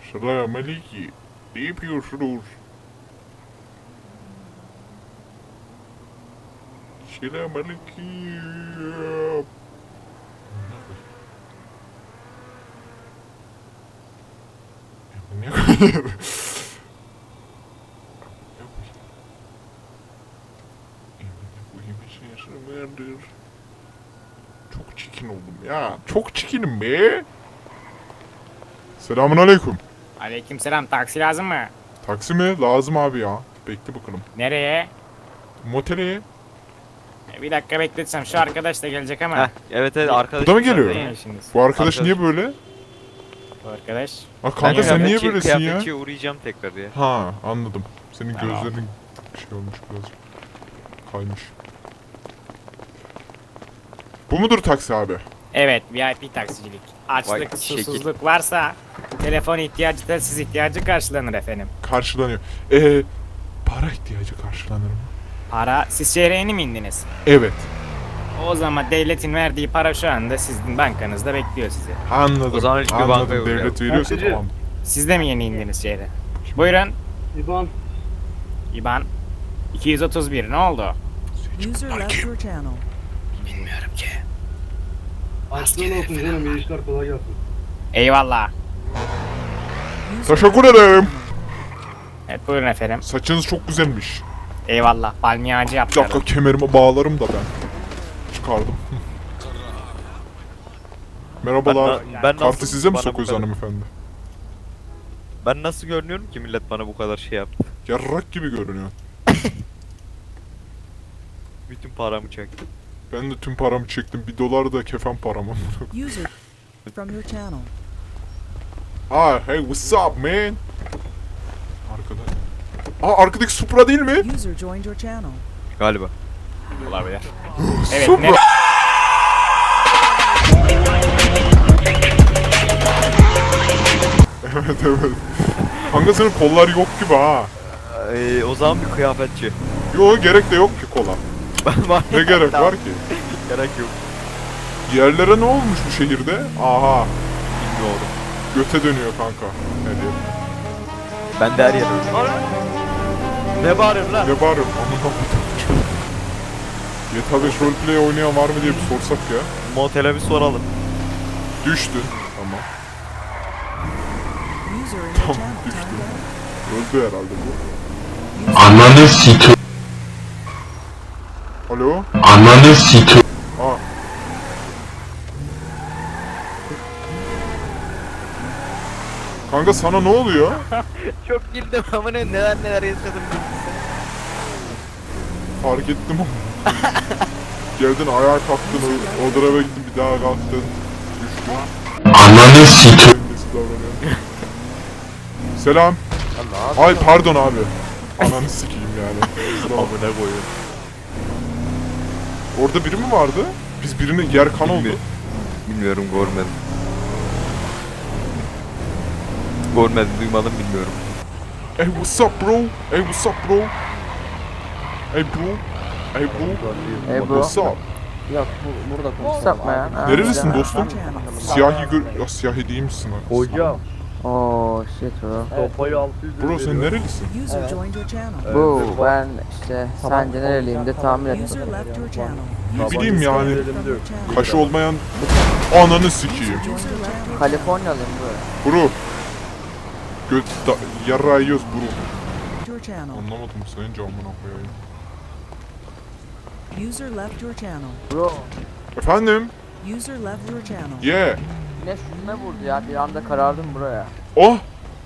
Selamünaleyküm. Ne yapıyorsunuz? Selamünaleyküm. Ne koyuyor? Çok çirkin oldum ya. Çok çirkinim be. Selamünaleyküm. Aleykümselam, taksi lazım mı? Taksi mi? Lazım abi ya. Bekle bakalım. Nereye? Motele. Bir dakika bekletsem şu arkadaş da gelecek ama. Heh, evet arkadaş. Bu da mı geliyor? Ne işiniz? Bu arkadaş Arkadaş. niye böyle? Bu arkadaş. Ha kanka sen niye böylesin ya? Kıyafetçiye uğrayacağım tekrar ya. Ha anladım. Senin Tamam. gözlerin şey olmuş biraz. Kaymış. Bu mudur taksi abi? Evet, VIP taksicilik. Açlık, Vay, şekil. susuzluk varsa telefon ihtiyacı, telsiz ihtiyacı karşılanır efendim. Karşılanıyor. Para ihtiyacı karşılanır mı? Para, siz şehre yeni mi indiniz? Evet. O zaman devletin verdiği para şu anda sizin bankanızda bekliyor sizi. Anladım. O zaman ilk bir bankaya Anladım. uğrayalım. Devlet veriyorsa Taksici. tamam. Siz de mi yeni indiniz şehre? Buyurun. İban. İban 231, ne oldu? User left your channel. Bilmiyorum ki. Açlığın olsun canım. İyi işler, kolay gelsin. Eyvallah. User Teşekkür left your ederim. channel. Evet buyurun efendim. Saçınız çok güzelmiş. Eyvallah. Palmiye ağacı Bir yaptırdım. dakika kemerime bağlarım da ben. Çıkardım. Merhabalar. Ben Kartı size mi bana bu sokuyoruz kadar- hanımefendi? Ben nasıl görünüyorum ki millet bana bu kadar şey yaptı. Yarrak gibi görünüyor. Bütün paramı çekti. Ben de tüm paramı çektim. $1 da kefen param. User from your channel. Hey what's up man? Arkada. Arkadaki Supra değil mi? User joined your channel. Galiba. Olabilir. Evet, Supra. ne? Evet evet. Kanka senin kollar yok gibi ha. O zaman bir kıyafetçi. Yo gerek de yok ki kola. Ne gerek var ki? Gerek yok. Yerlere ne olmuş bu şehirde? Aha. Bilmiyorum. Göte dönüyor kanka. Ne diyeyim? Ben de her yere Ne bağırıyorsun lan? Ne bağırıyorum? Amına koydum. GTA 5 roleplay oynayan var mı diye bir sorsak ya. Motele bir soralım. Düştün. Tamam. User in your Tamam channel düştün. timed out. Öldü herhalde bu. Ananı sikeyim. Alo? Ananı sikeyim. Aa. Kanka sana ne oluyor? Çok güldüm ama neler yaşadım. Fark ettim ama. Geldin ayağa kalktın, o tarafa gittin bir daha kalktın. Düştün. Ananı sikeyim. Nasıl davranıyorsun? Selam. Ay pardon abi. Ananı sikeyim yani. Kusura bakma. Amına koyuyorum. Orada biri mi vardı? Biz birinin yer kan oldu. Bilmiyorum görmedim. Görmedim duymadım bilmiyorum. Hey what's up bro? Hey what's up bro? Hey bro? Hey bro? Hey bro. What's up? Yok burada konuşsak mı ya? Nerelisin dostum? Channel. Siyahi ya siyahi değil misin lan? Hocam. Oo shit bro. Sopayı 600 Bro sen nerelisin? User joined your channel. Bu ben işte sence nereliyim de tahmin et. User left your channel. Ne bileyim yani. From your channel. Kaşı olmayan ananı sikeyim. User left your Kaliforniyalıyım bro. Bro. Yarrağı yiyoruz bro. your channel. Anlamadım senin camına koyayım. User left your channel. Bro Efendim? User left your channel. Yeah. güneş yüzüme vurdu ya bir anda karardım buraya. Oh!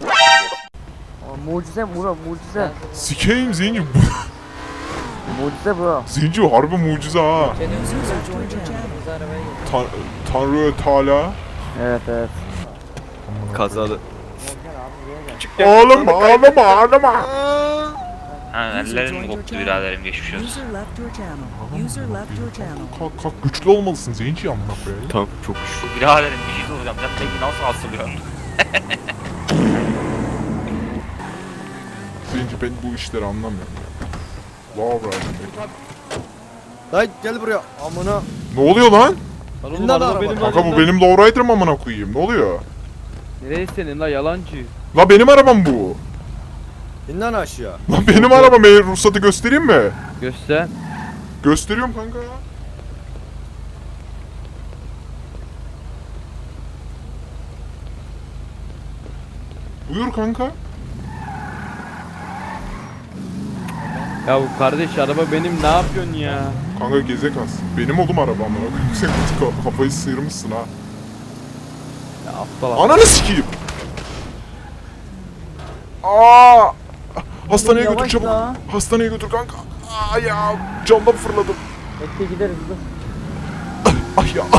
Mucize bro mucize. Sikeyim Zenci. Mucize bro. Zenci harbi mucize ha. User joined your channel. Tanrı Teala. Evet evet. Kazadı. Ağlama ağlama ağlama. Ha, User ellerim joined your koptu channel. biraderim geçmiş olsun. User left your channel. User left your channel. Kalk kalk güçlü olmalısın Zenci amına koyayım. Tamam çok güçlü. Biraderim bir şey soracağım. Sen peki nasıl asılıyorsun? Zenci ben bu işleri anlamıyorum ya. Wow Lan gel buraya amına. Ne oluyor lan? İn lan araba. Kanka bu benim lowrider'ım amına koyayım. Ne oluyor? Nereye senin la yalancı? La benim arabam bu. İn lan aşağı. Lan benim arabam, ruhsatı göstereyim mi? Göster. Gösteriyorum kanka ya. Buyur kanka. Ya bu kardeş araba benim, ne yapıyorsun ya? Kanka gezek az. Benim oğlum arabam. Sen kafayı sıyırmışsın ha. Ya aptal aptal. Ananı sikeyim. Aa! Hastaneye götür Yavaş çabuk. la. Hastaneye götür kanka. Aa ya, camdan fırladım. Bekle gideriz dur. Ay ya.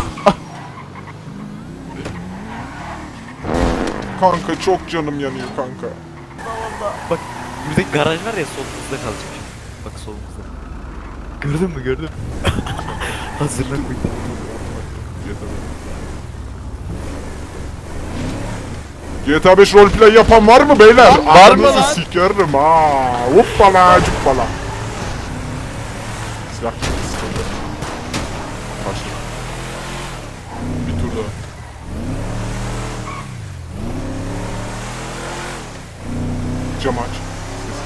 Kanka çok canım yanıyor kanka. Bak buradaki garaj var ya, solumuzda kalacak. Bak solumuzda. Gördün mü, gördün mü? Hazırlan koy. GTA 5 roleplay yapan var mı beyler? Var mı Ananızı lan? sikerim ha. Hoppala cuppala. Silah sıkıldı. Başla. Bir tur daha. Cam aç. Ses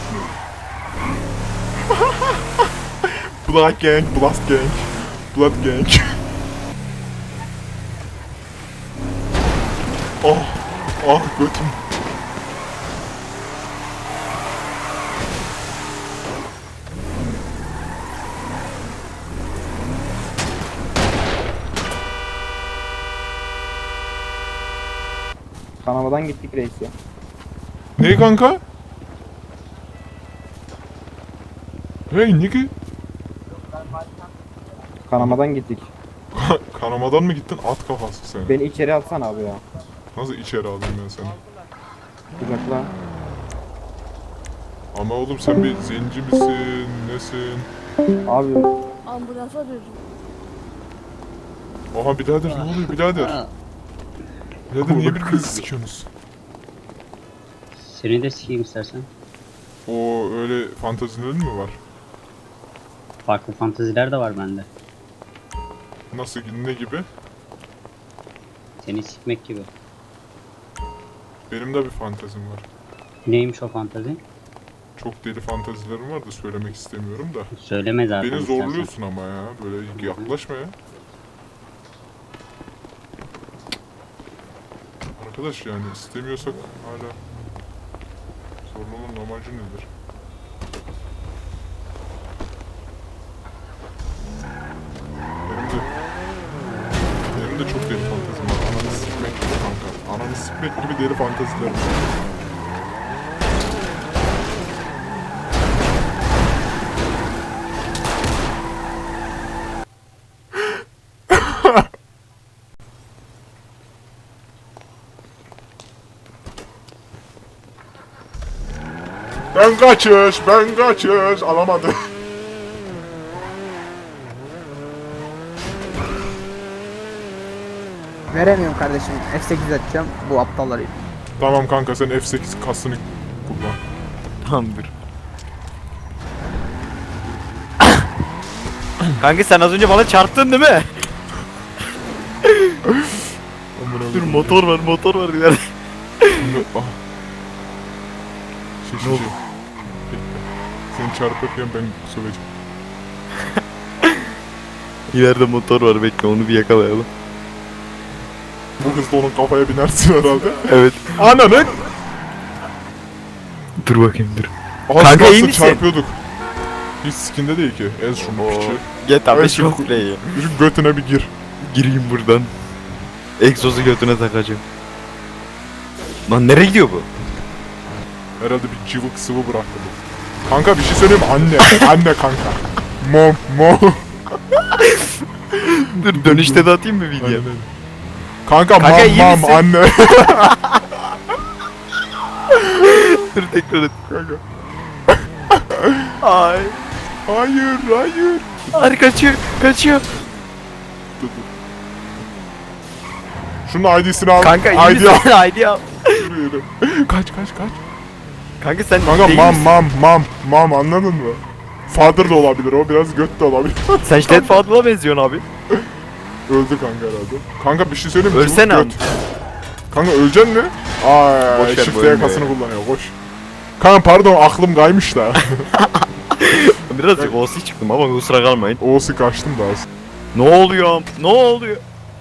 gitmiyor. Black Gang, Blast Gang, Blood Gang. Oh, ah götüm. Kanamadan gittik reis ya. Ne kanka? Hey nigga. Kanamadan gittik. Kanamadan mı gittin? At kafası sen. Beni içeri atsana abi ya. Nasıl içeri aldım ben seni? Kucakla. Ama oğlum sen bir zenci misin? Nesin? Abi Ambulans arıyorum. Oha birader ne oluyor birader? Birader niye birbirinizi sikiyorsunuz? Seni de sikeyim istersen. O öyle fantazilerin mi var? Farklı fanteziler de var bende. Nasıl ne gibi? Seni sikmek gibi. Benim de bir fantazim var. Neymiş o fantezi? Çok deli fantazilerim var da söylemek istemiyorum da. Söyleme zaten Beni istersen. zorluyorsun ama ya. Böyle yaklaşma ya. Arkadaş yani istemiyorsak hala zorlamanın amacı nedir? Benim de çok deli fantezim var. Ananı sikmek gibi kanka. Ananı sikmek gibi deli fantezilerim var. Ben kaçış, alamadım. Veremiyorum kardeşim. F8 atacağım. Bu aptalları. Tamam kanka sen F8 kasını kullan. Tamamdır. Kanka sen az önce bana çarptın değil mi? Dur motor var ileride. Ah. Şey. Bekle. Seni çarpırken ben söveceğim. İleride motor var, bekle onu bir yakalayalım. Bu hızla onun kafaya binersin herhalde. Evet. Ananı! Dur bakayım dur. Az Kanka, iyi kalsın misin? çarpıyorduk. Hiç skinde değil ki. Ez şunu piçi. Get abi Evet, çok şu- iyi. Şu götüne bir gir. Gireyim buradan. Egzozu götüne takacağım. Lan nereye gidiyor bu? Herhalde bir cıvık sıvı bıraktı bu. Kanka bir şey söyleyeyim mi? Anne. Anne kanka. Mom. Dur dönüşte de atayım mı video? Aynen öyle. Kanka Kanka, iyi mam misin? anne. Dur tekrar et. Kanka. Ay. Hayır. Ay kaçıyor. Dur. Şunun ID'sini al. Kanka iyi ID al. misin? Haydi al. Yürü. Kaç. Kanka sen Kanka değil misin? mam anladın mı? Father da olabilir o, biraz göt de olabilir. Sen Ştet Fadıl'a benziyorsun abi. Öldü kanka herhalde. Kanka bir şey söyleyeyim mi? Ölsene Cıvık abi. göt. Kanka öleceksin mi? Ay Boş ver, shift boyun yakasını kullanıyor koş. Kanka pardon aklım kaymış da. Birazcık OC çıktım ama kusura kalmayın. Oğuz'u kaçtım da az. Ne oluyor? Ne oluyor?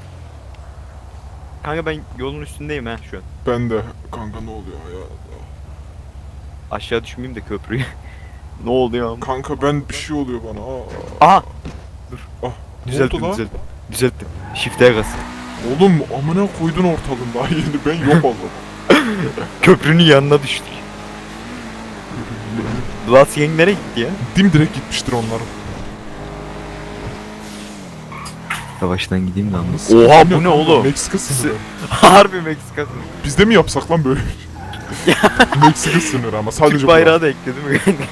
Kanka ben yolun üstündeyim ha şu an. Ben de. Kanka ne oluyor ya? Aşağı düşmeyeyim de köprüyü. Ne oluyor? Kanka ben bir şey oluyor bana. Aa. Aha! Dur. Ah, ne Düzelttim, oldu lan? düzelttim. Düzelttim. Shift'e kas. Oğlum amına koydun ortalığında daha yeni ben yok oldum. Köprünün yanına düştük. Blas Yang nereye gitti ya? Dimdirek gitmiştir onların. Yavaştan gideyim de anlasın. Oha bu ne oğlum? Meksika sınırı. Harbi Meksika sınırı. Biz de mi yapsak lan böyle? Meksika sınırı ama sadece Türk bayrağı da ekledi mi kanka?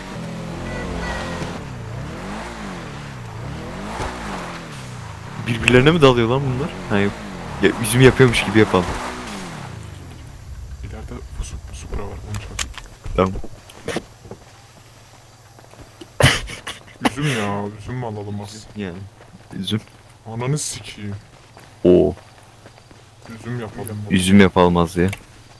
Birbirlerine mi dalıyor lan bunlar? Ha yok. Ya, üzüm yapıyormuş gibi yapalım. İleride Supra var onu çağır. Tamam. Üzüm ya üzüm mü alalım az? Yani. Üzüm. Ananı sikeyim. Oo. Üzüm yapalım. Üzüm yapalım az ya.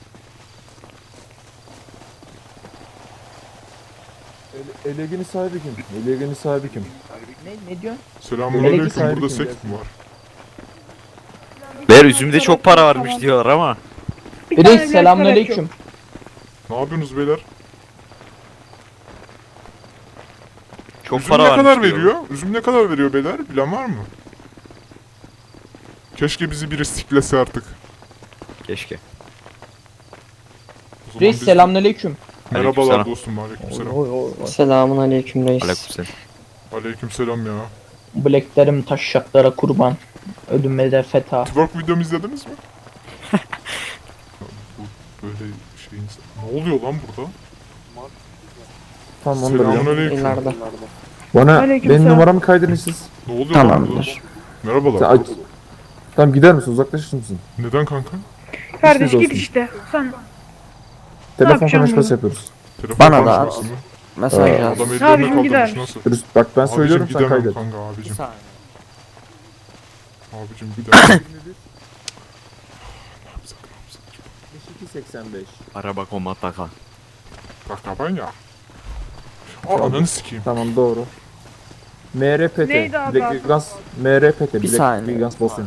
Elegenin sahibi kim? Elegenin sahibi kim? Ne diyorsun? Selamünaleyküm sahibi burada kim? seks mi var? Ber üzümde çok para varmış diyorlar ama. Reis selamünaleyküm. Ne yapıyorsunuz beyler? Çok Üzüm para ne varmış kadar diyorlar. veriyor? Üzüm ne kadar veriyor beyler? Bilen var mı? Keşke bizi biri siklese artık. Keşke. O zaman Reis biz- selamünaleyküm. Merhabalar Aleykümselam. dostum aleykümselam. Selamun aleyküm reis. Aleykümselam. Aleykümselam ya. Bileklerim taşşaklara kurban. Ödüme de feta. Twerk videomu izlediniz mi? Bu böyle şeyin... Ne oluyor lan burada? Tamam onu da biliyorum. Selamünaleyküm. Bana benim numaramı kaydırın siz. Ne oluyor lan burada? Merhabalar. Sen aç. Tamam gider misin? Uzaklaşır mısın? Neden kanka? Kardeş git işte. Telefon yapacağım konuşması yapıyoruz. Telefon Bana da konuşması mı? Mesaj Aa, yaz. Adam ellerine Abicim gider. kaldırmış nasıl? Dürüst bak ben söylüyorum Abicim sen gidemem kaydet. kanka abicim. saniye. Abicim gidemem. 5285. Araba komataka. Bak ben ya. Aa ananı sikeyim. Tamam doğru. MRPT. Neydi abi? Black Vegans MRPT. Bir Black saniye. Vegans Boston.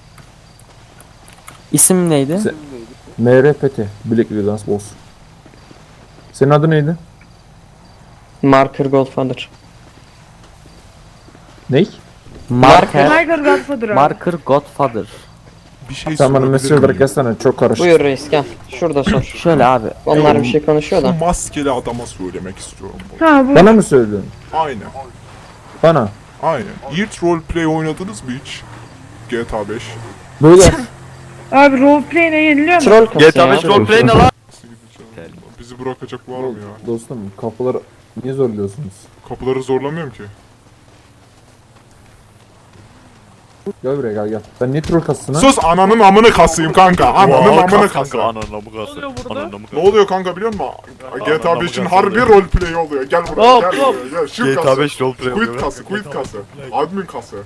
İsim neydi? Se- MRPT. Black Vegans Boss. Senin adı neydi? Marker Godfather. Ney? Marker. Tiger Godfather abi. Marker Godfather. Bir şey Sen bana sorabilir mesaj miyim? olarak yazsana çok karışık. Buyur reis gel. Şurada sor. Şöyle abi. Onlar bir şey konuşuyor Şu da. maskeli adama söylemek istiyorum. Ha bu. Bana mı söylüyorsun? Aynen. Bana. Aynen. Yiğit roleplay oynadınız mı hiç? GTA 5. Böyle. Abi roleplay ne yeniliyor mu? Troll kası GTA 5 ya. roleplay ne lan? Nasıl gideceğim? Bizi bırakacak var mı ya? Dostum kapıları niye zorluyorsunuz? Kapıları zorlamıyorum ki. Gel buraya gel gel. Ben niye troll kasısına? Sus ananın amını kasayım kanka. Ananın amını kanka. kasayım. Ananı mı kası? Ananı mı Ne oluyor kanka biliyor musun? GTA 5'in harbi roleplay oluyor. Gel buraya gel buraya gel. Shift GTA kası. 5 roleplay Quit oluyor. kası, quit kası. Admin kası.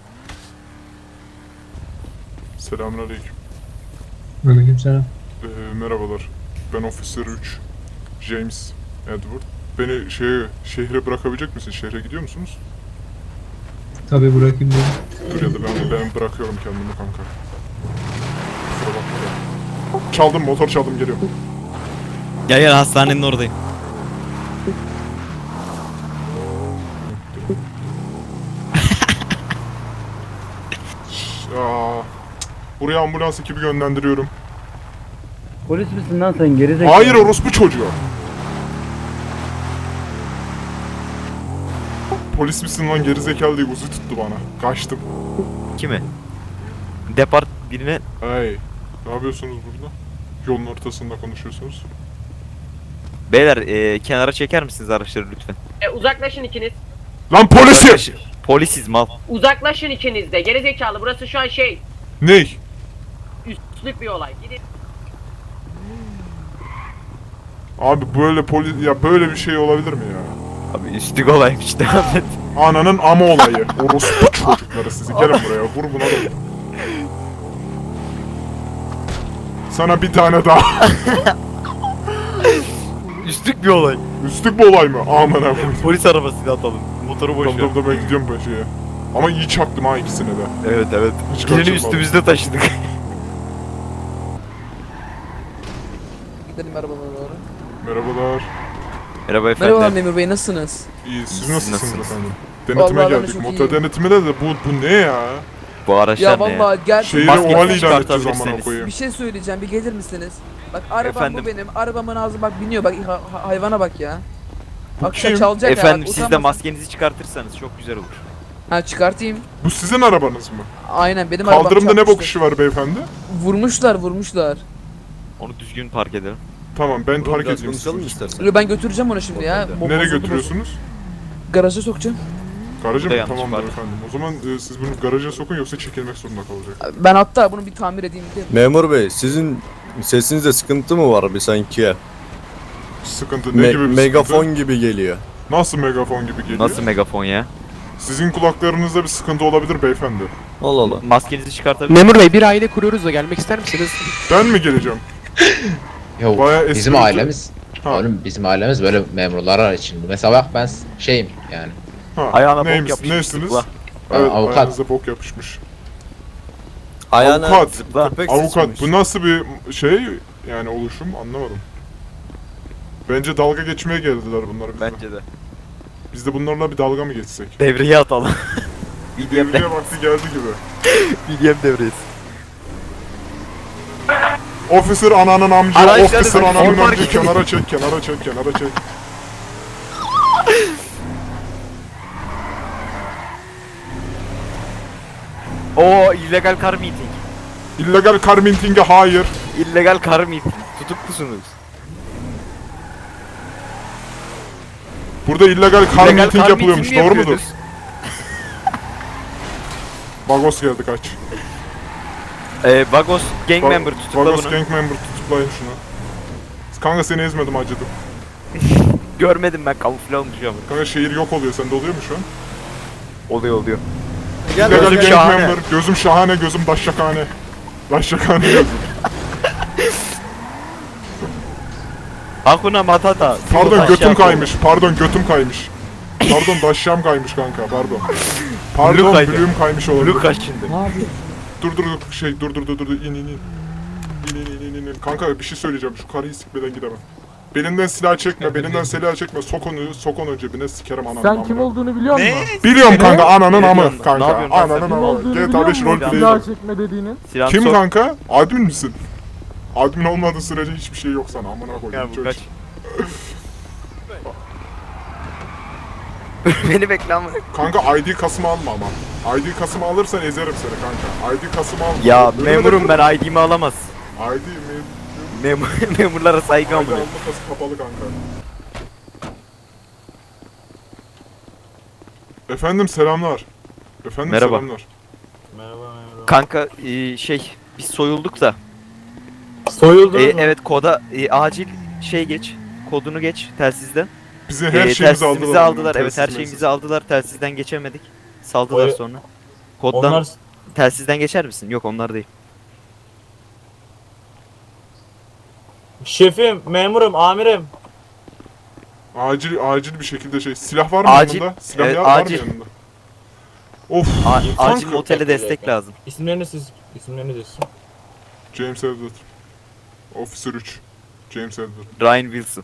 Selamünaleyküm. Aleykümselam. Merhabalar. Ben Officer 3. James Edward. Beni şehre bırakabilecek misin? Şehre gidiyor musunuz? Tabii bırakayım dedim. Dur ya da ben bırakıyorum kendimi kanka. Kusura bakma da. Çaldım motor çaldım geliyorum. Gel gel hastanenin oradayım. Aa, buraya ambulans ekibi yönlendiriyorum. Polis misin lan sen gerizekalı? Hayır orospu çocuğu. Polis misin lan gerizekalı diye uzu tuttu bana. Kaçtım. Kime? Depart birine Hey. Ne yapıyorsunuz burada? Yolun ortasında konuşuyorsunuz. beyler kenara çeker misiniz araçları lütfen? Uzaklaşın ikiniz. Lan polisim! Polisiz mal. Uzaklaşın ikiniz de. Gerizekalı burası şu an Ney? üstlük bir olay. Gidin. Abi böyle bir şey olabilir mi ya? Abi üstlük olaymış devam et. Ananın ama olayı. Orospu çocukları sizi. Gelin buraya. Vur buna da vur. Sana bir tane daha. Üstlük bir olay. Üstlük bir olay mı? Aman abi. Polis arabasıyla atalım. Motoru boş ver. Tamam ben gidiyorum ben şeye. Ama iyi çaktım ha ikisine de. Evet evet. Hiç Birini kaçırmadım. üstümüzde taşıdık. Gidelim arabalara doğru. Merhabalar. Merhaba efendim. Merhaba memur bey nasılsınız? İyi siz nasılsınız nasılsınız? efendim? Denetime Vallahi ben de geldik. çok Motor iyiyim. denetimine de bu ne ya? Bu araçlar ne ya? vallahi gel Şehire Maskenizi oval ilan edeceğiz çıkartabilirseniz. amına koyayım. bir şey söyleyeceğim bir gelir misiniz? Bak arabam Efendim? bu benim. Arabamın ağzı bak biniyor bak hayvana bak ya. Bak kim? çalacak ya. Efendim bak, siz de utanmasın. maskenizi çıkartırsanız çok güzel olur. Ha çıkartayım. Bu sizin arabanız mı? Aynen benim arabam Kaldırımda ne bok çarpmıştı. işi var beyefendi? Vurmuşlar. Onu düzgün park edelim. Tamam ben park edeyim sizi. Yo, ben götüreceğim onu şimdi ya. Nereye Bozuldu, götürüyorsunuz? bozuldu. Garaja sokacağım. Garaja Burada mı? yanlış Tamamdır var. efendim. O zaman siz bunu garaja sokun yoksa çekilmek zorunda kalacak. Ben hatta bunu bir tamir edeyim diye. Memur bey sizin sesinizde sıkıntı mı var bir sanki? Sıkıntı ne gibi bir Megafon sıkıntı? gibi geliyor. Nasıl megafon gibi geliyor? Nasıl megafon ya? Sizin kulaklarınızda bir sıkıntı olabilir beyefendi. Allah Allah. Maskenizi çıkartabilir Memur bey bir aile kuruyoruz da gelmek ister misiniz? Ben mi geleceğim? Yok Bayağı bizim esprili- ailemiz. Ha. Oğlum bizim ailemiz böyle memurlar için. Mesela bak ben şeyim yani. Ha, Ayağına bok neymiş, yapışmış, Neysiniz? zıpla. Evet, Avukat. ayağınıza bok yapışmış. Ayağına Avukat. köpek Avukat sıçmış. bu nasıl bir şey yani oluşum anlamadım. Bence dalga geçmeye geldiler bunlar bize. Bence de. Biz de bunlarla bir dalga mı geçsek? Devreye atalım. BDM, Devriye vakti geldi gibi. BDM devresi. Officer ananın amcı, Araçları officer bak, ananın park amcı, edin. kenara çek, kenara çek, kenara çek. Oo illegal car meeting. İllegal car minting'e hayır. İllegal car meeting. Tutuklusunuz. Burada illegal car İllegal minting car yapılıyormuş, meeting mi doğru mudur? yapıyorsunuz? Bagos geldi kaç. Vagos gang Ba- member tutukla Bagos bunu. gang member tutuklayın şunu. Kanka seni ezmedim acıdım. Görmedim ben kamufle olmuş ama. Kanka şehir yok oluyor, sende oluyor mu şu an? Oluyor. Gel İllegal Gözüm gang şahane. member, gözüm şahane, gözüm daşşakane. Daşşakane gözüm. Hakuna Matata. Pardon götüm kaymış, pardon götüm kaymış. Pardon daşşam kaymış kanka, pardon. Pardon kaydı. blüğüm kaymış olabilir. Blue kaç şimdi? Dur in in. İn. Kanka bir şey söyleyeceğim, şu karıyı sikmeden gidemem. Belinden silah çekme, belinden silah çekme, sok onu cebine sikerim ananı. Sen kim olduğunu biliyor musun? Biliyorum kanka, ananın Ne amı diyorsun? Ne kanka, yapıyorsun lan sen? ananın Kim amı. olduğunu GTA biliyor 5 musun? roleplay. Silah çekme dediğinin. Silahını Kim sok. kanka? Admin misin? Admin olmadığı sürece hiçbir şey yok sana, amına Ya koyayım bu çocuk. kaç? Beni bekle ama. Kanka ID kasımı alma ama. ID kasımı alırsan ezerim seni kanka. ID kasımı alma. Ya Böyle memurum de- ben ID'mi alamaz. ID mi? Memurlara saygı ID amına. alma kası kapalı kanka. Efendim selamlar. Efendim Merhaba. selamlar. Kanka biz soyulduk da. Soyuldunuz mu? Evet koda acil geç. Kodunu geç telsizden. Bizi her şeyimizi aldılar. aldılar. Evet her şeyimizi aldılar. Telsizden geçemedik. Saldılar sonra. Koddan telsizden geçer misin? Yok onlar değil. Şefim, memurum, amirim. Acil bir şekilde silah var mı Acil, yanında? Silah evet, var mı acil. yanında? Of. Acil kanka. otele destek lazım. İsimleriniz James Edward. Officer 3. James Edward. Ryan Wilson.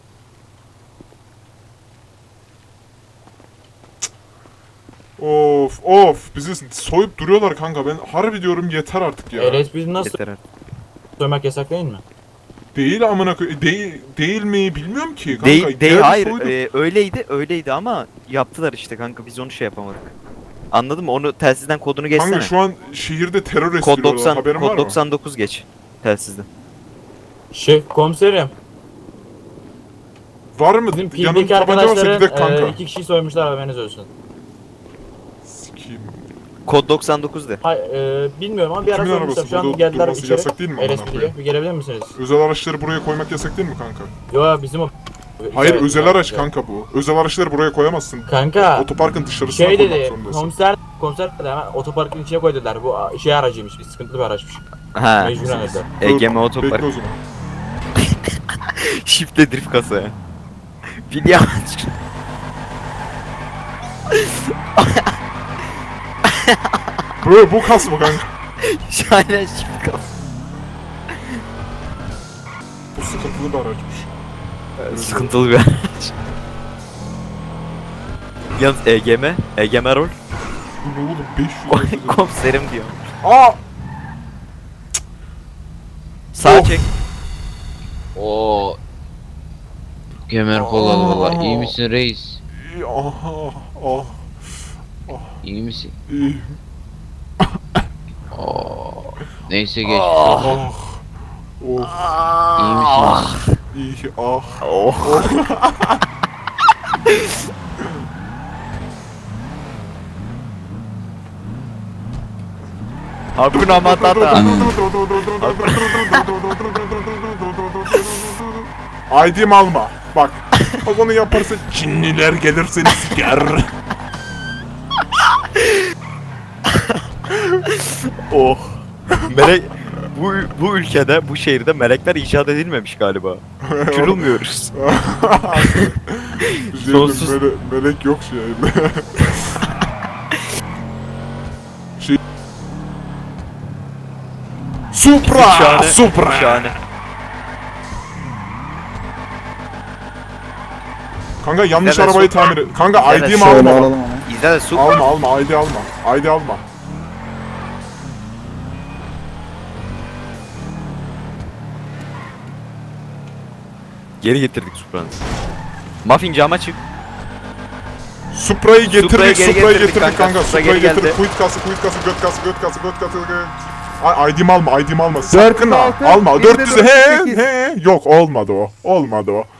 Of bizi soyup duruyorlar kanka, ben harbi diyorum yeter artık ya. biz nasıl Yeter artık. söylemek yasak değil mi? Değil amına değil mi bilmiyorum ki kanka. Değil geldi hayır soydu. öyleydi ama yaptılar işte kanka biz onu yapamadık. Anladın mı? Onu telsizden kodunu geçsene. Kanka şu an şehirde terör Kod estiriyorlar, 90 haberin var kod mı? 99 geç telsizden. Şef, komiserim. Var mı? Bizim Yanında PDK tabanca varsa arkadaşların gidek kanka. 2 kişiyi soymuşlar haberiniz olsun. Sikiyim. Kod 99 de. Bilmiyorum ama bir ara Kimin sormuşlar. arabası? Şu an Burada geldiler durması içeri. yasak değil mi amına LSPD'ye. koyayım? Bir gelebilir misiniz? Özel araçları buraya koymak yasak değil mi kanka? Yo bizim o. Hayır Evet, özel evet, araç evet. kanka bu. Özel araçları buraya koyamazsın. Kanka. Otoparkın dışarısına Şey koymak dedi, zorundasın. komiser dedi hemen otoparkın içine koy dediler. Bu aracıymış, bir sıkıntılı bir araçmış. Ha. Mecburen öde. EGM otopark. Bekle o zaman. Shift'le drift kasa. Biliyor musun? Böyle bu kas mı kanka? Şahane shift kasa. Bu sıkıntılı bir araçmış. Sıkıntılı bir araç. Yalnız EGM rol. Bu ne oğlum 500 Komiserim diyor. Aa! Sağa Of. çek. Oo. Kemer kolalı valla. İyi misin reis? Aha, İyi misin? iyi. Oo. Neyse geç. Oh. İyi misiniz? İyi, ah. Oh. Hakuna Matata. ID'm alma. Bak. Bak onu yaparsa Çinliler gelir seni siker. Oh. Melek bu ülkede, bu şehirde melekler icat edilmemiş galiba. Uçurulmuyoruz. Sonsuz- Melek yok şehirde. Supra! Şahane. Supra! Şahane. Kanka yanlış Evet, arabayı Supra. tamir et. Kanka Evet, ID'mi şöyle alma. İzle de su. Alma ID alma. ID alma. Geri getirdik Supra'nı. Muffin cama çık. Supra'yı getirdik, Supra'yı geri Supra'yı getirdik getirdik kanka, kanka. Supra Supra'yı geri geldi. getirdik. Kuyut kası, göt kası. ID'mi alma, ID'mi alma. Sakın ha. Alma. 400'e he. Yok olmadı o.